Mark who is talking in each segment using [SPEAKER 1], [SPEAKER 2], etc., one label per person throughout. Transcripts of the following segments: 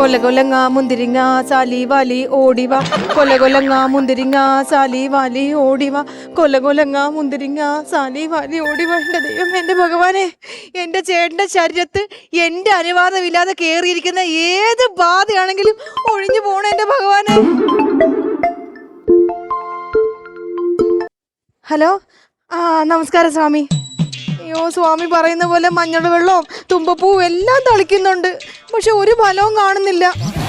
[SPEAKER 1] കൊലകൊലങ്ങ മുന്തിരിങ്ങ Sally Valley ഓടിവ കൊലകൊലങ്ങ മുന്തിരിങ്ങ Sally Valley ഓടിവ കൊലകൊലങ്ങ മുന്തിരിങ്ങ സാലി വാലി ഓടിവ. എന്റെ ദൈവം, എന്റെ ഭഗവാനെ, എന്റെ ചേട്ടന്റെ ശരീരത്ത് എന്റെ അനുവാദമില്ലാതെ കേറിയിരിക്കുന്ന ഏത് ബാധയാണെങ്കിലും ഒഴിഞ്ഞു പോണ എന്റെ ഭഗവാനെ. ഹലോ, നമസ്കാരം സ്വാമി. അയ്യോ, സ്വാമി പറയുന്ന പോലെ മഞ്ഞൾ വെള്ളവും തുമ്പപ്പൂവും എല്ലാം തളിക്കുന്നുണ്ട്, പക്ഷെ ഒരു ഫലവും കാണുന്നില്ല.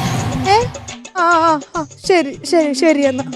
[SPEAKER 1] ശരി ശരി ശരി എന്നാ.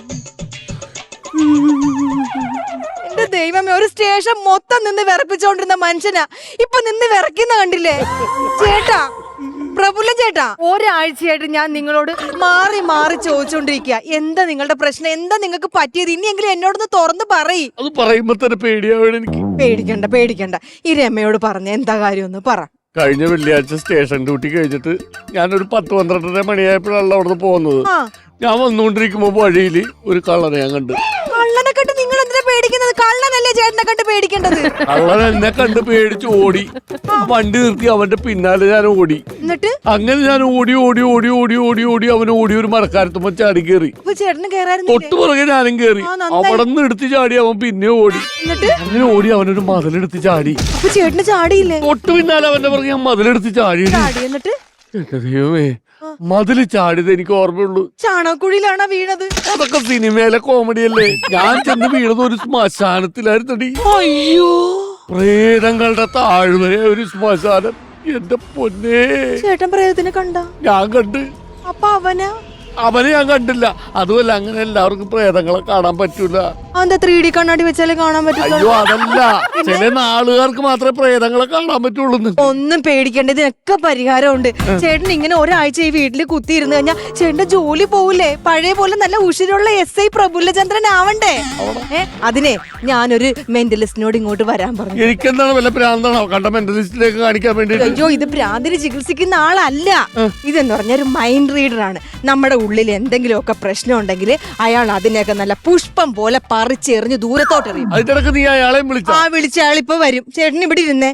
[SPEAKER 1] എന്റെ ദൈവമേ, ഒരു സ്റ്റേഷൻ മൊത്തം നിന്ന് വിറപ്പിച്ചോണ്ടിരുന്ന മനുഷ്യനാ ഇപ്പൊ നിന്ന് വിറയ്ക്കുന്ന കണ്ടില്ലേ? ചേട്ടാ, പ്രഫുല്ല ചേട്ടാ, ഒരാഴ്ചയായിട്ട് ഞാൻ നിങ്ങളോട് മാറി മാറി ചോദിച്ചോണ്ടിരിക്കുക, എന്താ നിങ്ങളുടെ പ്രശ്നം, എന്താ നിങ്ങൾക്ക് പറ്റിയത്, ഇനിയെങ്കിലും എന്നോടൊന്ന് തുറന്ന് പറയ്.
[SPEAKER 2] അത് പറയുമ്പോ തന്നെ പേടിയാവണം എനിക്ക്.
[SPEAKER 1] പേടിക്കണ്ട പേടിക്കണ്ട, ഈ രമയോട് പറഞ്ഞ എന്താ കാര്യം ഒന്ന് പറ.
[SPEAKER 2] കഴിഞ്ഞ വെള്ളിയാഴ്ച സ്റ്റേഷൻ ഡ്യൂട്ടി കഴിഞ്ഞിട്ട് ഞാനൊരു 10-12 മണിയായപ്പോഴാണ് അവിടുന്ന് പോകുന്നത്. ഞാൻ വന്നുകൊണ്ടിരിക്കുമ്പോ വഴിയില് ഒരു കള്ളനെ ഞാൻ കണ്ടു.
[SPEAKER 1] കള്ളനെ കണ്ട് നിങ്ങൾ എന്തിനാ പേടിക്കുന്നത്? കള്ളനല്ലേ ചേട്ടനെ കണ്ട് പേടിക്കേണ്ടത്?
[SPEAKER 2] കള്ളൻ എന്നെ കണ്ട് പേടിച്ച് ഓടി. വണ്ടി നിർത്തി അവന്റെ പിന്നാലെ ഞാൻ ഓടി.
[SPEAKER 1] എന്നിട്ട്
[SPEAKER 2] അങ്ങനെ ഞാൻ ഓടി ഓടി ഓടി ഓടി ഓടി ഓടി അവൻ ഓടി ഒരു മരക്കാരത്തുമ്പോ ചാടി കയറി.
[SPEAKER 1] ചേട്ടന്
[SPEAKER 2] തൊട്ടു പുറകെ ഞാനും കയറി. അവിടെ നിന്ന് എടുത്ത് ചാടി അവൻ പിന്നെ ഓടി. അങ്ങനെ ഓടി അവനൊരു മതിലെടുത്ത് ചാടി.
[SPEAKER 1] ചേട്ടന് ചാടിയില്ലേ?
[SPEAKER 2] തൊട്ടു പിന്നാലെ അവന്റെ പുറകെ ഞാൻ മതിലെടുത്ത് ചാടി.
[SPEAKER 1] എന്നിട്ട്
[SPEAKER 2] എന്റെ ദൈവമേ, മതില് ചാടിയത് എനിക്ക് ഓർമ്മയുള്ളൂ.
[SPEAKER 1] ചാണകക്കുഴിയിലാണോ വീണത്?
[SPEAKER 2] അതൊക്കെ സിനിമയിലെ കോമഡി അല്ലേ. ഞാൻ ചെന്ന് വീണത് ഒരു ശ്മശാനത്തിലായിരുന്നടി.
[SPEAKER 1] അയ്യോ,
[SPEAKER 2] പ്രേതങ്ങളുടെ താഴ്വരെ ഒരു ശ്മശാനം. എന്റെ പൊന്നേ,
[SPEAKER 1] ചേട്ടൻ പ്രേതത്തിനെ കണ്ട?
[SPEAKER 2] ഞാൻ കണ്ട്.
[SPEAKER 1] അപ്പൊ
[SPEAKER 2] അവനെ ഞാൻ കണ്ടില്ല. അതുമല്ല, അങ്ങനെ എല്ലാവർക്കും പ്രേതങ്ങളെ കാണാൻ പറ്റൂല.
[SPEAKER 1] 3D കണ്ണാടി വെച്ചാലേ കാണാൻ പറ്റില്ല.
[SPEAKER 2] അയ്യോ, അതല്ല, ചില നാളുകാർക്ക് മാത്രമേ പ്രേതങ്ങളെ കാണാൻ പറ്റുള്ളൂ.
[SPEAKER 1] ഒന്നും പേടിക്കേണ്ട, ഇതിനൊക്കെ പരിഹാരമുണ്ട്. ചേട്ടൻ ഇങ്ങനെ ഒരാഴ്ച ഈ വീട്ടിൽ കുത്തിയിരുന്നു കഴിഞ്ഞാൽ ചേട്ടന്റെ ജോലി പോവില്ലേ? പഴയ പോലെ നല്ല ഉഷിരുള്ള SI പ്രഫുല്ലചന്ദ്രൻ ആവണ്ടേ? അതിനെ ഞാനൊരു മെന്റലിസ്റ്റിനോട് ഇങ്ങോട്ട് വരാൻ പറഞ്ഞു.
[SPEAKER 2] എനിക്കെന്താണ് വല്ല ഭ്രാന്താണോ കണ്ട മെന്റലിസ്റ്റിലേക്ക് കാണിക്കാൻ വേണ്ടി?
[SPEAKER 1] അയ്യോ, ഇത് ഭ്രാന്തിന് ചികിത്സിക്കുന്ന ആളല്ല. ഇതെന്ന് പറഞ്ഞ ഒരു മൈൻഡ് റീഡർ ആണ്. നമ്മുടെ ഉള്ളിൽ എന്തെങ്കിലുമൊക്കെ പ്രശ്നം ഉണ്ടെങ്കിൽ അയാൾ അതിനെയൊക്കെ നല്ല പുഷ്പം പോലെ പറിച്ചെറിഞ്ഞ് ദൂരത്തോട്ട് എറിയും.
[SPEAKER 2] അതിനിടക്ക് നീ അയാളെ
[SPEAKER 1] വിളിച്ച അയാളിപ്പോ വരും. ചേട്ടൻ ഇവിടെ ഇരുന്നേ.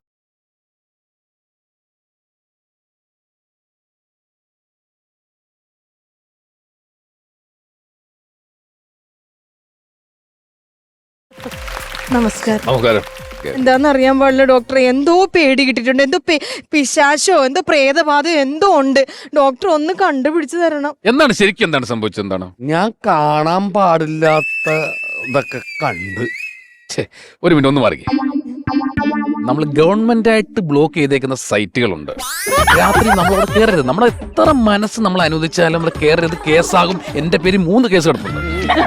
[SPEAKER 2] നമസ്കാരം.
[SPEAKER 1] എന്താന്ന് അറിയാൻ പാടില്ല ഡോക്ടറെ, എന്തോ പേടി കിട്ടിയിട്ടുണ്ട്. എന്തോ പിശാശോ എന്തോ പ്രേതബാധ എന്തോ ഉണ്ട്. ഡോക്ടർ ഒന്ന് കണ്ടുപിടിച്ചു തരണം.
[SPEAKER 3] എന്താണ് ശരിക്കും എന്താണ് സംഭവിച്ചത്? എന്താണ്?
[SPEAKER 2] ഞാൻ കാണാൻ പാടില്ലാത്ത ഇതൊക്കെ കണ്ട്.
[SPEAKER 3] ഒരു മിനിറ്റ് ഒന്ന് മാറി. നമ്മൾ ഗവൺമെന്റ് ആയിട്ട് ബ്ലോക്ക് ചെയ്തേക്കുന്ന സൈറ്റുകളുണ്ട്. രാത്രി നമ്മളവിടെ കയറരുത്. നമ്മുടെ എത്ര മനസ്സ് നമ്മൾ അനുവദിച്ചാലും നമ്മൾ കയറരുത്, കേസാകും. എന്റെ പേര് 3 കേസ് കിടപ്പുണ്ട്.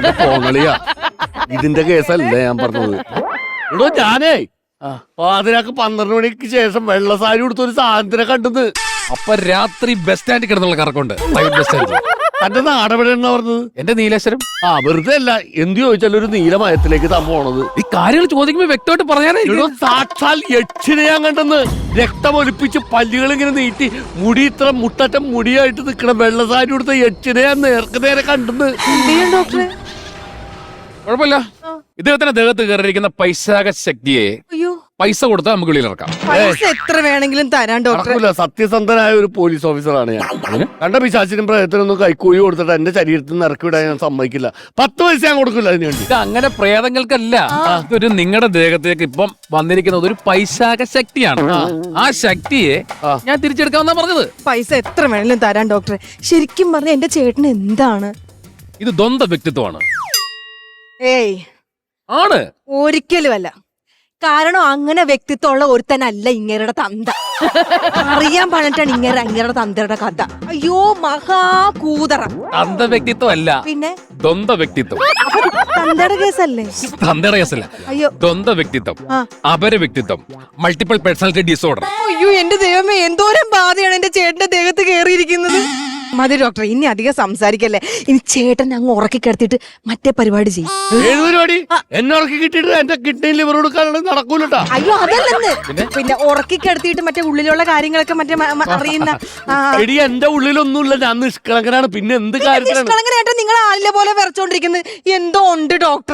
[SPEAKER 2] ഇതിന്റെ കേസല്ലേ ഞാൻ പറഞ്ഞത്. ഇവിടെ ഞാനേ പാതിരാക്ക് 12 മണിക്ക് ശേഷം വെള്ള സാരി കൊടുത്ത ഒരു സാധനത്തിനെ കണ്ടത്.
[SPEAKER 3] അപ്പൊ രാത്രി ബസ് സ്റ്റാൻഡിൽ കിടന്നുള്ള കറക്കമുണ്ട്, പ്രൈവറ്റ് ബസ് സ്റ്റാൻഡിൽ.
[SPEAKER 2] തന്റെ നാടെവിടെയെന്നാ പറഞ്ഞത്?
[SPEAKER 3] എന്റെ നീലേശ്വരം.
[SPEAKER 2] വെറുതെ അല്ല, എന്ത് ചോദിച്ചാലും ഒരു നീലമയത്തിലേക്ക് താൻ പോണത്.
[SPEAKER 3] ഈ കാര്യങ്ങൾ ചോദിക്കുമ്പോ വ്യക്തമായിട്ട് പറയാനേ.
[SPEAKER 2] സാക്ഷാൽ യക്ഷിനെ ഞാൻ കണ്ടെന്ന്. രക്തമൊലിപ്പിച്ച് പല്ലുകൾ ഇങ്ങനെ നീട്ടി മുടി ഇത്ര മുട്ടറ്റം മുടിയായിട്ട് നിൽക്കണം വെള്ള സാരി കൊടുത്ത യക്ഷിനെ ഞാൻ നേരെ കണ്ടെന്ന്.
[SPEAKER 1] ഡോക്ടറെ,
[SPEAKER 3] കുഴപ്പമില്ല. ഇദ്ദേഹത്തിന്റെ ദേഹത്ത് കയറിയിരിക്കുന്ന പൈശാച ശക്തിയെ പൈസ കൊടുത്താൽ നമുക്ക് വെളിയിലിറക്കാം.
[SPEAKER 1] പൈസ എത്ര വേണമെങ്കിലും തരാൻ ഡോക്ടർ.
[SPEAKER 2] സത്യസന്ധനായ ഒരു പോലീസ് ഓഫീസറാണ് ഞാൻ. കണ്ട പിശാചിനും പ്രേതത്തിനൊന്നും കൈക്കൂലി കൊടുത്തിട്ട് എന്റെ ശരീരത്തിൽ നിന്ന് ഇറക്കി വിടാൻ ഞാൻ സമ്മതിക്കില്ല. 10 പൈസ ഞാൻ കൊടുക്കില്ല അതിന് വേണ്ടി.
[SPEAKER 3] ഇത് അങ്ങനെ പ്രേതങ്ങൾക്കല്ല, ഇതൊരു നിങ്ങളുടെ ദേഹത്തേക്ക് ഇപ്പം വന്നിരിക്കുന്നത് ഒരു പൈശാച ശക്തിയാണ്. ആ ശക്തിയെ ഞാൻ തിരിച്ചെടുക്കാമെന്നാ പറഞ്ഞത്.
[SPEAKER 1] പൈസ എത്ര വേണമെങ്കിലും തരാൻ ഡോക്ടറെ. ശരിക്കും പറഞ്ഞ എന്റെ ചേട്ടന് എന്താണ്
[SPEAKER 3] ഇത്? ദ്വന്ദ്വ വ്യക്തിത്വമാണ്.
[SPEAKER 1] ഏയ്
[SPEAKER 3] ആണ്,
[SPEAKER 1] ഒരിക്കലും അല്ല. കാരണം അങ്ങനെ വ്യക്തിത്വമുള്ള ഒരുത്തനല്ല ഇങ്ങേരുടെ തന്ത. അറിയാൻ പറഞ്ഞിട്ടാണ് അങ്ങേരുടെ തന്തയുടെ കഥ. അയ്യോ, മഹാകൂതറ.
[SPEAKER 3] തന്ത വ്യക്തിത്വം അല്ല,
[SPEAKER 1] പിന്നെ
[SPEAKER 3] ദ്വന്ദ്വ വ്യക്തിത്വം.
[SPEAKER 1] തന്തയുടെ കേസല്ലേ?
[SPEAKER 3] തന്തയുടെ കേസല്ല.
[SPEAKER 1] അയ്യോ,
[SPEAKER 3] ദ്വന്ദ്വ വ്യക്തിത്വം, അപര വ്യക്തിത്വം, മൾട്ടിപ്പിൾ പേഴ്സണാലിറ്റി ഡിസോർഡർ.
[SPEAKER 1] അയ്യോ, എന്റെ ദൈവമേ, എന്തോരം ബാധയാണ് എന്റെ ചേട്ടന്റെ ദേഹത്ത് കയറിയിരിക്കുന്നത്. മതി ഡോക്ടർ, ഇനി അധികം സംസാരിക്കല്ലേ. ഇനി ചേട്ടൻ അങ്ങ് ഉറക്കി കിടത്തിയിട്ട് മറ്റേ പരിപാടി ചെയ്യും.
[SPEAKER 2] ഏത് പരിപാടി? എന്നെ ഉറക്കി കിട്ടിയിട്ട് എന്റെ കിഡ്നി ലിവർ കൊടുക്കാനുള്ള നടക്കൂലട്ടാ.
[SPEAKER 1] അയ്യോ, അതല്ലെന്ന്. പിന്നെ ഉറക്കി കിടത്തിയിട്ട് മറ്റേ ഉള്ളിലുള്ള കാര്യങ്ങളൊക്കെ മറ്റേ അറിയുന്ന.
[SPEAKER 2] എടി, എന്റെ ഉള്ളിലൊന്നുമില്ല, ഞാൻ നിഷ്കളങ്കനാണ്. പിന്നെ എന്ത് കാര്യത്തിലാണ്
[SPEAKER 1] നിഷ്കളങ്കനായിട്ട് നിങ്ങൾ ആളിലെ പോലെ വിറച്ചോണ്ടിരിക്കുന്നത്? എന്തോ ഉണ്ട് ഡോക്ടറെ.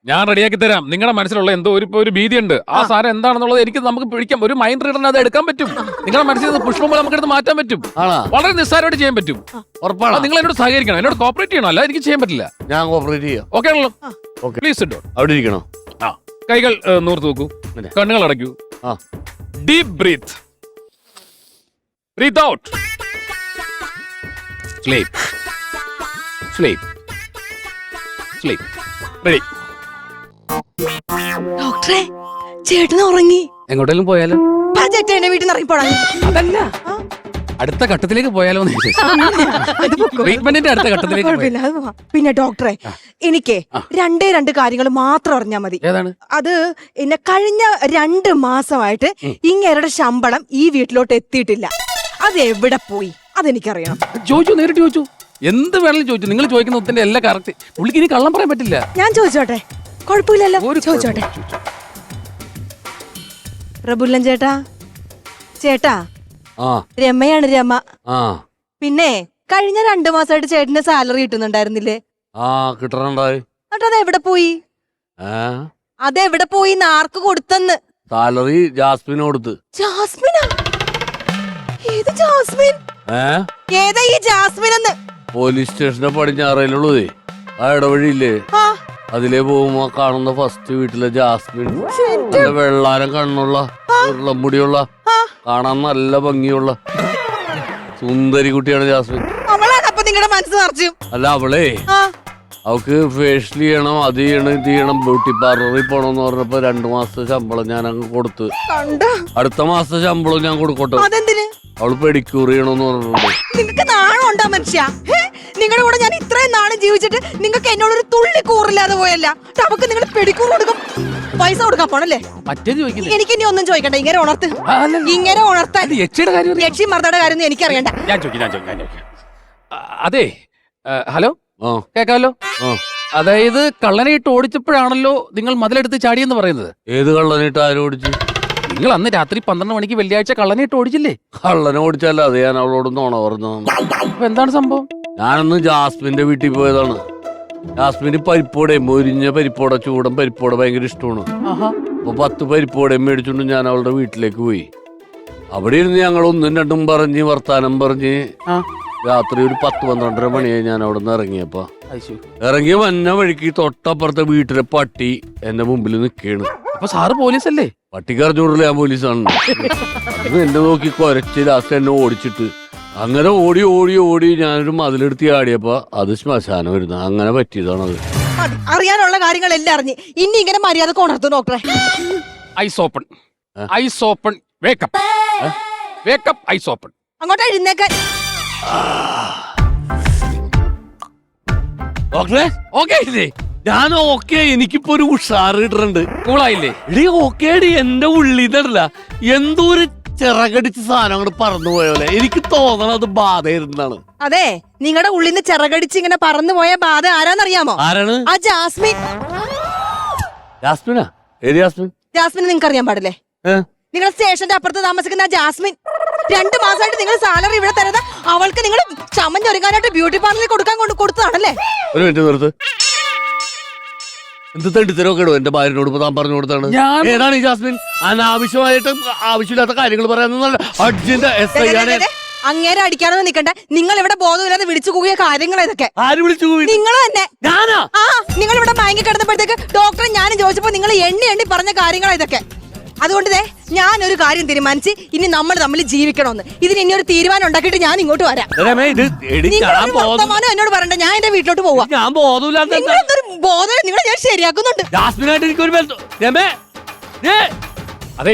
[SPEAKER 3] ഞാൻ റെഡിയാക്കി തരാം. നിങ്ങളുടെ മനസ്സിലുള്ള എന്തോ ഒരു ഭീതിയുണ്ട്. ആ സാധനം എന്താണെന്നുള്ളത് എനിക്ക് നമുക്ക് പിടിക്കാം. ഒരു മൈൻഡ് റീഡറിന് അത് എടുക്കാൻ പറ്റും. നിങ്ങളുടെ മനസ്സിൽ നിന്ന് പുഷ്പം പോലെ നമുക്ക് എടുത്ത് മാറ്റാൻ പറ്റും. വളരെ നിസ്സാരമായിട്ട് ചെയ്യാൻ പറ്റും.
[SPEAKER 2] ഉറപ്പാണ്.
[SPEAKER 3] നിങ്ങൾ എന്നോട് സഹകരിക്കണം, എന്നോട് കോപ്പറേറ്റ് ചെയ്യണം. അല്ല എനിക്ക് ചെയ്യാൻ പറ്റില്ല.
[SPEAKER 2] ഞാൻ കോപ്പറേറ്റ് ചെയ്യാം.
[SPEAKER 3] ഓക്കെ ആണല്ലോ?
[SPEAKER 2] ഓക്കെ.
[SPEAKER 3] പ്ലീസ് ഇട്ടോ.
[SPEAKER 2] അവിടെ ഇരിക്കണോ?
[SPEAKER 3] ആ, കൈകൾ നൂർത്ത് നോക്കൂ, കണ്ണുകൾ അടയ്ക്കൂ. Deep breath. Breathe out. Sleep. Sleep. Sleep. Ready.
[SPEAKER 1] ഡോക്ടറെ ചേട്ടൻ ഉറങ്ങി.
[SPEAKER 3] എങ്ങോട്ടെങ്കിലും പോയാലോ?
[SPEAKER 1] ചേട്ടൻ എന്റെ വീട്ടിൽ നിന്ന് ഇറങ്ങിപ്പോടാ.
[SPEAKER 3] അതല്ല, അടുത്ത ഘട്ടത്തിലേക്ക് പോയാലോ? ട്രീറ്റ്മെന്റിന്റെ അടുത്ത ഘട്ടത്തിലേക്ക് പോയാലോ?
[SPEAKER 1] കുഴപ്പമില്ല, അത് പോവാം. പിന്നെ ഡോക്ടറെ എനിക്ക് രണ്ട് കാര്യങ്ങൾ മാത്രം അറിഞ്ഞാൽ മതി.
[SPEAKER 3] ഏതാണ്?
[SPEAKER 1] അത് എന്നെ കഴിഞ്ഞ 2 മാസമായിട്ട് ഇങ്ങേരുടെ ശമ്പളം ഈ വീട്ടിലോട്ട് എത്തിയിട്ടില്ല. അത് എവിടെ പോയി അതെനിക്കറിയണം.
[SPEAKER 3] ചോദിച്ചു, നേരിട്ട് ചോദിച്ചു. എന്ത് വേണമെങ്കിലും ചോദിച്ചു. നിങ്ങൾ ചോദിക്കുന്ന ഒത്തിന്റെ എല്ലാം കറക്റ്റ്. പുള്ളിക്ക് ഇനി കള്ളം പറയാൻ പറ്റില്ല.
[SPEAKER 1] ഞാൻ ചോദിച്ചോട്ടെ? കുഴപ്പമില്ലല്ലോ, ചോദിച്ചോട്ടെ. പ്രബുല്ലൻ ചേട്ടാ, ചേട്ടാ രമയാണ് രമ. പിന്നെ കഴിഞ്ഞ 2 മാസമായിട്ട് ചേട്ടന് സാലറി കിട്ടുന്നുണ്ടായിരുന്നില്ലേ?
[SPEAKER 2] കിട്ടണുണ്ടായി.
[SPEAKER 1] എന്നിട്ട് അതെവിടെ പോയി? അതെവിടെ പോയി? ആർക്ക് കൊടുത്തെന്ന്?
[SPEAKER 2] സാലറി ജാസ്മിന് കൊടുത്ത്.
[SPEAKER 1] ജാസ്മിനാ? ഏത് ജാസ്മിൻ? ഏതാ ഈ ജാസ്മിൻ എന്ന്?
[SPEAKER 2] പോലീസ് സ്റ്റേഷന്റെ പടിഞ്ഞാറയിലുള്ളതേ, ആ ഇടവഴിയില്ലേ, അതിലേ പോകുമ്പോ കാണുന്ന ഫസ്റ്റ് വീട്ടിലെ ജാസ്മിൻ. നല്ല വെള്ളാരം കണ്ണുള്ള, ഉരുളമുടിയുള്ള, കാണാൻ നല്ല ഭംഗിയുള്ള സുന്ദരി കുട്ടിയാണ് ജാസ്മിൻ.
[SPEAKER 1] അവളാണ് അപ്പൊ നിങ്ങളുടെ മനസ്സ് നിറച്ചു?
[SPEAKER 2] അല്ല, അവളേ അവക്ക് ഫേഷ്യൽ ചെയ്യണം, അത് ചെയ്യണം, ഇത് ചെയ്യണം, ബ്യൂട്ടി പാർലറിൽ പോണെന്ന് പറഞ്ഞപ്പോ 2 മാസത്തെ ശമ്പളം ഞാൻ അങ്ങ് കൊടുത്ത്. അടുത്ത മാസത്തെ ശമ്പളം ഞാൻ കൊടുക്കട്ടെ?
[SPEAKER 1] അതെന്തിന്?
[SPEAKER 2] അവള് പെഡിക്യൂർ ചെയ്യണമെന്ന് പറഞ്ഞിട്ടുണ്ട്.
[SPEAKER 1] നിങ്ങക്ക് നാണം ഉണ്ടാ മനുഷ്യ? നിങ്ങളുടെ കൂടെ ഞാൻ ഇത്രയും നാളും ജീവിച്ചിട്ട് നിങ്ങൾക്ക് എന്നോടൊരു തുള്ളി കൂറില്ലാതെ പോയല്ല. അവക്ക് നിങ്ങൾ പെഡിക്യൂർ കൊടുക്കും, പൈസ കൊടുക്കാൻ പോണല്ലേ? എനിക്ക് ഇനി ഒന്നും ചോദിക്കണ്ട. ഇങ്ങനെ ഉണർത്ത്, ഇങ്ങനെ ഉണർത്താൻ. യക്ഷി മർദ്ദയുടെ കാര്യം എനിക്കറിയണ്ട.
[SPEAKER 3] അതെ, ഹലോ, കേക്കാലോ? അതായത് കള്ളനെ ഇട്ട് ഓടിച്ചപ്പോഴാണല്ലോ നിങ്ങൾ മതിലെടുത്ത് ചാടിയെന്ന് പറയുന്നത്.
[SPEAKER 2] ഏത് കള്ളനിട്ട് ആരും ഓടിച്ചു?
[SPEAKER 3] നിങ്ങൾ അന്ന് രാത്രി 12 മണിക്ക് വെള്ളിയാഴ്ച കള്ളനെ ഇട്ട് ഓടിച്ചില്ലേ?
[SPEAKER 2] കള്ളനെ ഓടിച്ചല്ല, അത് ഞാൻ അവളോട് നോണ പറഞ്ഞു.
[SPEAKER 3] അപ്പൊ എന്താണ് സംഭവം?
[SPEAKER 2] ഞാനന്ന് ജാസ്മിന്റെ വീട്ടിൽ പോയതാണ്. ജാസ്മിന് പരിപ്പോടെ, മൊരിഞ്ഞ പരിപ്പോടെ, ചൂടൻ പരിപ്പോടെ ഭയങ്കര ഇഷ്ടമാണ്. അപ്പൊ 10 പരിപ്പോടെ മേടിച്ചോണ്ട് ഞാൻ അവളുടെ വീട്ടിലേക്ക് പോയി. അവിടെ ഇരുന്ന് ഞങ്ങൾ 1-2 പറഞ്ഞ് വർത്താനം പറഞ്ഞ് രാത്രി ഒരു 10-12 മണിയായി ഞാൻ അവിടെ നിന്ന് ഇറങ്ങിയപ്പോ. ഇറങ്ങിയ വന്ന വഴിക്ക് തൊട്ടപ്പുറത്തെ വീട്ടിലെ പട്ടി എന്റെ മുമ്പിൽ നിൽക്കുകയാണ്.
[SPEAKER 3] അപ്പൊ സാറ് പോലീസല്ലേ?
[SPEAKER 2] പട്ടിക്ക് അറിഞ്ഞൂടല്ലേ ഞാൻ പോലീസാണ്. അത് എന്നെ നോക്കി കുരച്ച് ലാസ്റ്റ് എന്നെ ഓടിച്ചിട്ട് അങ്ങനെ ഓടി ഓടി ഓടി ഞാനൊരു മതിലെടുത്ത് ആടിയപ്പോ അത് ശ്മശാനം വരുന്ന അങ്ങനെ പറ്റിയതാണത്.
[SPEAKER 1] അറിയാനുള്ള കാര്യങ്ങളെല്ലാം അറിഞ്ഞ് ഇനി ഇങ്ങനെ മര്യാദ ഉണർത്തു ഡോക്ടറെ.
[SPEAKER 3] Eyes open, eyes open, wake up, wake up, eyes open.
[SPEAKER 1] അങ്ങോട്ട് എഴുന്നേക്കാൻ.
[SPEAKER 2] ഡോക്ടറെ ഓക്കെ ഇല്ലേ? ഞാൻ ഓക്കെ, എനിക്കിപ്പോ ഒരു ഉഷാറ് കിട്ടുന്നുണ്ട്.
[SPEAKER 3] കൂളായില്ലേ?
[SPEAKER 2] ഇടീ ഓക്കേടി, എന്റെ ഉള്ളിന്നല്ല എന്തോ ഒരു ചിറകടിച്ച് സാധനം അങ്ങോട്ട് പറന്നു പോയപോലെ എനിക്ക് തോന്നണത് ബാധയിരുന്നാണ്.
[SPEAKER 1] അതെ, നിങ്ങളുടെ ഉള്ളിൽ നിന്ന് ചിറകടിച്ച് ഇങ്ങനെ പറന്നു പോയ ബാധ ആരാന്നറിയാമോ?
[SPEAKER 2] ആരാണ്?
[SPEAKER 1] ആ ജാസ്മിൻ.
[SPEAKER 2] ജാസ്മിനാ? ഏത് ജാസ്മിൻ?
[SPEAKER 1] ജാസ്മിനെ നിങ്ങൾക്ക് അറിയാൻ പാടില്ലേ? നിങ്ങൾ സ്റ്റേഷന്റെ അപ്പുറത്ത് താമസിക്കുന്ന ആ ജാസ്മിൻ. 2 മാസമായിട്ട് നിങ്ങൾ സാലറി ഇവിടെ തരുന്നത് അവൾക്ക് നിങ്ങൾ ചമഞ്ഞൊരുങ്ങാനായിട്ട് ബ്യൂട്ടി പാർലറിൽ കൊടുത്തതാണല്ലേ?
[SPEAKER 2] ഒരു മിനിറ്റ് നിർത്ത്. എന്ത് തണ്ടിത്തരൊക്കെ ഇടും എന്റെ ഭാര്യനോട് താൻ പറഞ്ഞു കൊടുത്താണ്. ഏതാണ് ഈ ജാസ്മിൻ? അനാവശ്യമായിട്ട് ആവശ്യമില്ലാത്ത കാര്യങ്ങൾ പറയാൻ അർജന്റ് എസ് ഐ ആണ്.
[SPEAKER 1] അങ്ങേരെ അടിക്കാനൊന്നും നിൽക്കണ്ട. നിങ്ങൾ ഇവിടെ ബോധമില്ലാതെ വിളിച്ചു കൂകിയ കാര്യങ്ങൾ ഇതൊക്കെ.
[SPEAKER 2] ആര് വിളിച്ചു കൂവി?
[SPEAKER 1] നിങ്ങൾ തന്നെ.
[SPEAKER 2] ഞാനാ?
[SPEAKER 1] ആ, നിങ്ങൾ ഇവിടെ മയങ്ങി കിടന്നപ്പോഴത്തേക്ക് ഡോക്ടറെ ഞാൻ ചോദിച്ചപ്പോ നിങ്ങൾ എണ്ണി പറഞ്ഞ കാര്യങ്ങൾ ഇതൊക്കെ. അതുകൊണ്ട് ഞാനൊരു കാര്യം തീരുമാനിച്ച് ഇനി നമ്മൾ തമ്മിൽ ജീവിക്കണമെന്ന്. ഇതിന് ഇനി ഒരു തീരുമാനം ഉണ്ടാക്കിയിട്ട് ഞാൻ ഇങ്ങോട്ട് വരാം. എന്നോട് പറയണ്ട, ഞാൻ എന്റെ വീട്ടിലോട്ട് പോവാ.
[SPEAKER 2] ഞാൻ ബോധമില്ലാത്ത
[SPEAKER 1] ബോധം നിങ്ങളെ ഞാൻ ശരിയാക്കുന്നുണ്ട്.
[SPEAKER 2] ജാസ്മിനായിട്ട് എനിക്കൊരു
[SPEAKER 3] അതെ,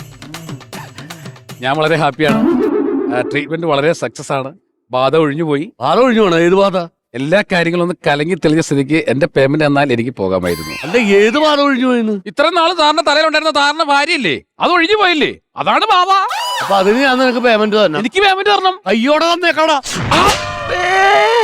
[SPEAKER 3] ഞാൻ വളരെ ഹാപ്പിയാണ്. ട്രീറ്റ്മെന്റ് വളരെ സക്സസ് ആണ്. ബാധ ഒഴിഞ്ഞു പോയി.
[SPEAKER 2] ബാധ ഒഴിഞ്ഞു പോണോ? ഏത് ബാധ?
[SPEAKER 3] എല്ലാ കാര്യങ്ങളും ഒന്ന് കലങ്ങി തെളിഞ്ഞ സ്ഥിതിക്ക് എന്റെ പേയ്മെന്റ് എന്നാൽ എനിക്ക് പോകാമായിരുന്നു.
[SPEAKER 2] അല്ല, ഏത് ബാധ ഒഴിഞ്ഞു പോയെന്ന്?
[SPEAKER 3] ഇത്ര നാള് സാറിന്റെ തലയിലുണ്ടായിരുന്ന സാറിന്റെ ഭാര്യയില്ലേ, അത് ഒഴിഞ്ഞു പോയില്ലേ, അതാണ് ബാധ.
[SPEAKER 2] അപ്പൊ അതിന് ഞാൻ നിനക്ക് പേയ്മെന്റ് തന്നെ.
[SPEAKER 3] എനിക്ക് പേയ്മെന്റ് തരണം.
[SPEAKER 2] അയ്യോടെ തന്നേക്കാടാ.